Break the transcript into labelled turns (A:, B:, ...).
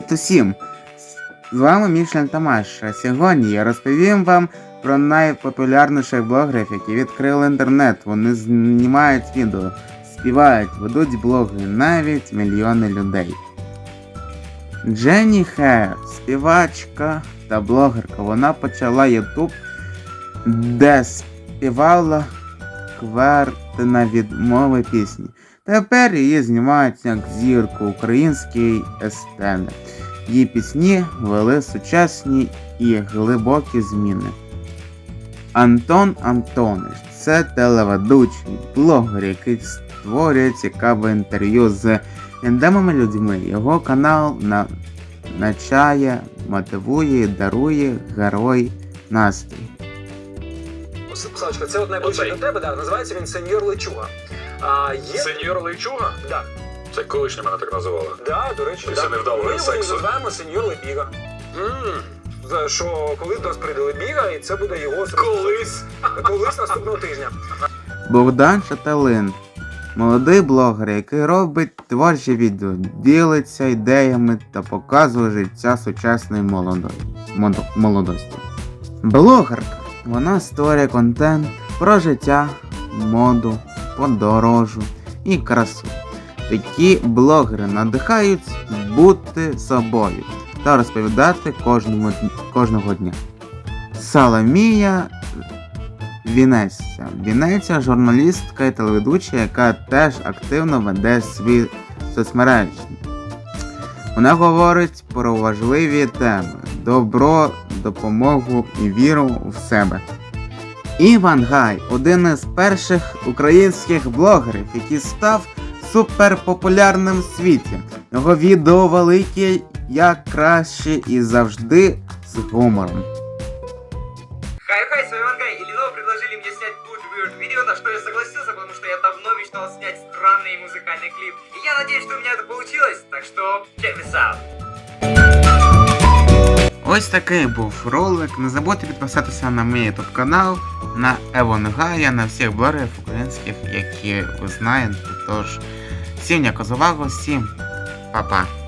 A: Привіт усім! З вами Мішлен Тамаш. Сьогодні я розповім вам про найпопулярніших блогерів, які відкрили інтернет. Вони знімають відео, співають, ведуть блоги, навіть мільйони людей. Дженні Хейл, співачка та блогерка. Вона почала YouTube, де співала кварти на відмови пісні. Тепер її знімають як зірку української естени. Її пісні вели сучасні і глибокі зміни. Антон Антонич – це телеведучий, блогер, який створює цікаве інтерв'ю з відомими людьми. Його канал навчає, мотивує, дарує герой настрій.
B: Славочка, це от найближче до тебе, да, називається він Сеньор Лечуга.
C: Сеньор Лейчуга?
B: Да.
C: Це колишня мене так називали.
B: Да, до речі,
C: Після
B: да.
C: невдалого
B: Ми його
C: сексу.
B: називаємо Сеньор Лебіга. Що коли до нас прийде Лебіга, і це буде його колись наступного тижня.
A: Богдан Шаталин – молодий блогер, який робить творчі відео, ділиться ідеями та показує життя сучасної молодості. Блогерка. Вона створює контент про життя, моду, подорожу і красу. Такі блогери надихають бути собою та розповідати кожного дня. Соломія Вінеця – журналістка і телеведуча, яка теж активно веде свій соцмережі. Вона говорить про важливі теми – добро, допомогу і віру в себе. Іван Гай – один із перших українських блогерів, який став суперпопулярним в світі. Його відео великі, як краще і завжди з гумором.
D: Хай-хай, с вами Иван Гай, и Lenovo предложили мне снять Good Weird видео, на что я согласился, потому что я давно мечтал снять странный музыкальный клип. И я надеюсь, что у меня это получилось, так что check this out.
A: Ось такий був ролик. Не забудьте підписатися на мій YouTube канал, на Івана Гая, на всіх блогерів українських, які ви знаєте. Тож, всім дякую за увагу, всім па-па.